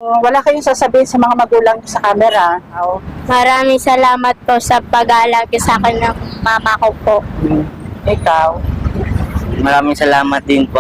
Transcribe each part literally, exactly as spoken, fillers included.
wala kayong sasabihin sa mga magulang niyo sa camera? Oh. Maraming salamat po sa pag-aalaga sa akin ng mama ko po. Ikaw? Maraming salamat din po.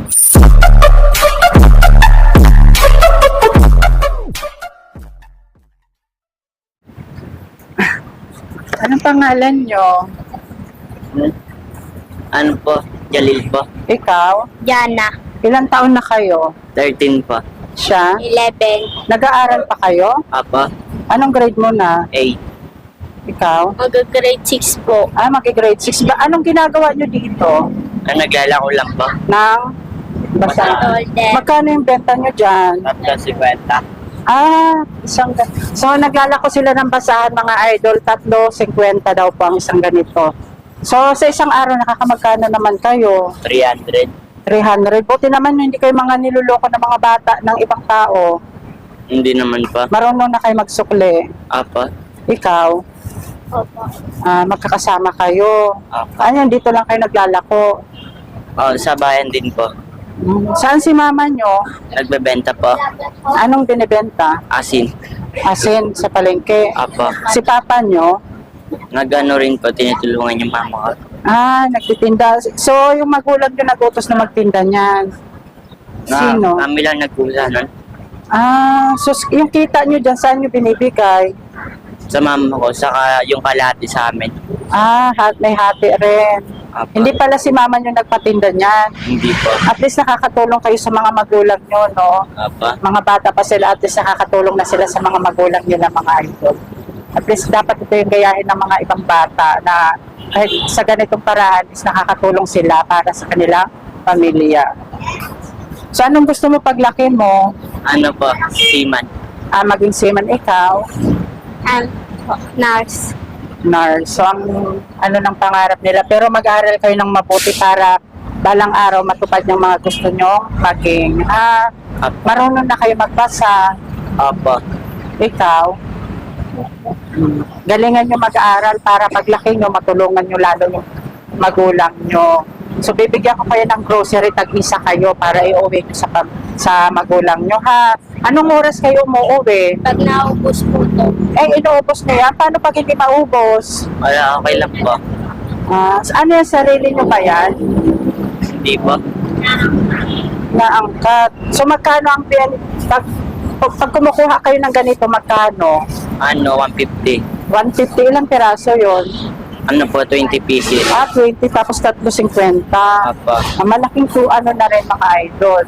Anong pangalan niyo? Hmm? Ano po? Jalil po. Ikaw? Jana, Ilang taon na kayo? thirteen po. Siya? eleven. Nag-aaral pa kayo? Apo? Anong grade mo na? eight. Ikaw? Mag-grade six po. Ah, magi-grade six ba? Anong ginagawa niyo dito? Ano, naglalako lang po. Nang basa? Golden. Magkano yung benta niyo dyan? Tapos si Kwenta. Ah, isang ga- So, naglalako sila ng basahan, mga idol. Tatlo, cinquenta daw po ang isang ganito. So, sa isang araw, nakakamagkano naman kayo? three hundred. three hundred. Buti naman hindi kayo mga niluloko ng mga bata ng ibang tao. Hindi naman po. Marunong na kayo magsukli. Apo? Ikaw, Opo. ah, magkakasama kayo. Apo. Ayun, dito lang kayo naglalako. Oh, sa bayan din po. Hmm. Saan si mama nyo? Nagbebenta po. Anong binibenta? Asin. Asin sa palengke. Apo. Si papa nyo? Nagano rin po, tinutulungan yung mama ko. Ah, nagtitinda. So, yung magulang nyo nag-utos na magtinda niyan. Sino? Na, kami lang nagkusa nun. Ah, so yung kita nyo dyan, saan nyo binibigay? Sa mama ko, saka yung kalahati sa amin. Ah, hat, may hati rin. Apo. Hindi pala si mama nyo nagpatinda niyan. Hindi po. At least nakakatulong kayo sa mga magulang nyo, no? Apo. Mga bata pa sila, at least nakakatulong na sila sa mga magulang nila, mga idol. At least dapat ito yung gayahin ng mga ibang bata na kahit sa ganitong paraan is nakakatulong sila para sa kanilang pamilya. So anong gusto mo paglaki mo? Ano po? Seaman. Ah, maging seaman ikaw? And nurse. Nurse. So ang ano ng pangarap nila. Pero mag-aaral kayo ng mabuti para balang araw matupad yung mga gusto nyo maging. Ah, Apo. marunong na kayo magbasa. Apo. Ikaw? Galingan nyo mag-aaral para paglaki nyo, matulungan nyo lalo yung magulang nyo. So, bibigyan ko kayo ng grocery, tag-isa kayo para iuwi nyo sa, pam- sa magulang nyo, ha? Anong oras kayo umuwi? Pag naubos po to, Eh, inuubos na yan. Paano pag hindi maubos? Wala, okay lang po. Ah, ano yung sarili nyo ba yan? Hindi po. Naangkat. So, magkano ang bin... Pag, pag, pag kumukuha kayo ng ganito, magkano? Ano, one fifty. one fifty, ilang piraso yon? Ano po, twenty pieces. Ah, twenty tapos tatlo cinquenta. Apo. Ah, malaking po ano na rin mga idol.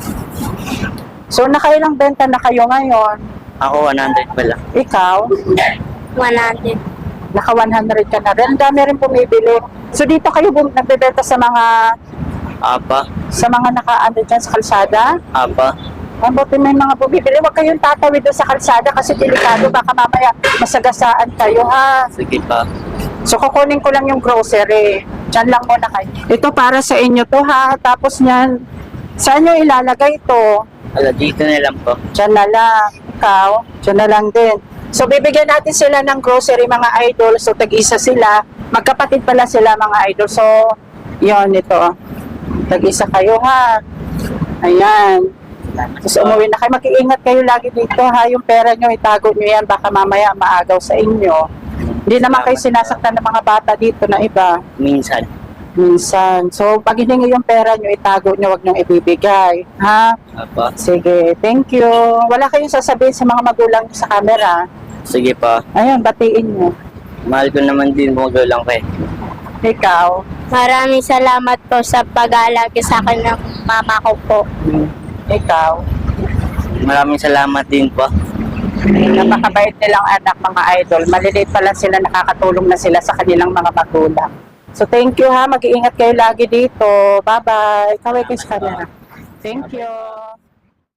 So, nakailang benta na kayo ngayon? Ako, one hundred pala. Ikaw? one hundred. Naka one hundred ka na rin. Ang dami rin bumibili. So, dito kayo bum- nagbebenta sa mga Apa. sa mga naka-ano dyan sa kalsada? Apa. Mabuti may mga bumibili. Huwag kayong tatawid doon sa kalsada kasi delikado. Baka mamaya masagasaan kayo, ha? Sige pa. So, kukunin ko lang yung grocery. Diyan lang muna kayo. Ito para sa inyo to, ha? Tapos niyan, saan nyo ilalagay ito? Wala, dito na lang po. Diyan na lang. Ikaw, diyan na lang din. So, bibigyan natin sila ng grocery, mga idol. So, tag-isa sila. Magkapatid pala sila, mga idol. So, yon ito. Tag-isa kayo, ha? Ayan. Tapos umuwi na kayo. Mag-iingat kayo lagi dito, ha? Yung pera nyo, itago nyo yan. Baka mamaya maagaw sa inyo. Hindi naman kayo sinasaktan ng mga bata dito na iba. Minsan. Minsan. So, pag hiningi yung pera nyo, itago nyo, wag nyo ibibigay. Ha? Apa. Sige, thank you. Wala kayong sasabihin sa mga magulang nyo sa camera. Sige pa. Ayun, batiin nyo. Mahal ko naman din mga gulang ko eh. Ikaw. Maraming salamat po sa pag-aalaga sa akin ng mama ko po. Ikaw. Maraming salamat din po. Napakabait nilang anak, mga idol. Maliliit pa lang sila, nakakatulong na sila sa kanilang mga magulang. So, thank you, ha. Mag-iingat kayo lagi dito. Bye-bye. Kaway kayo sa camera. Thank you.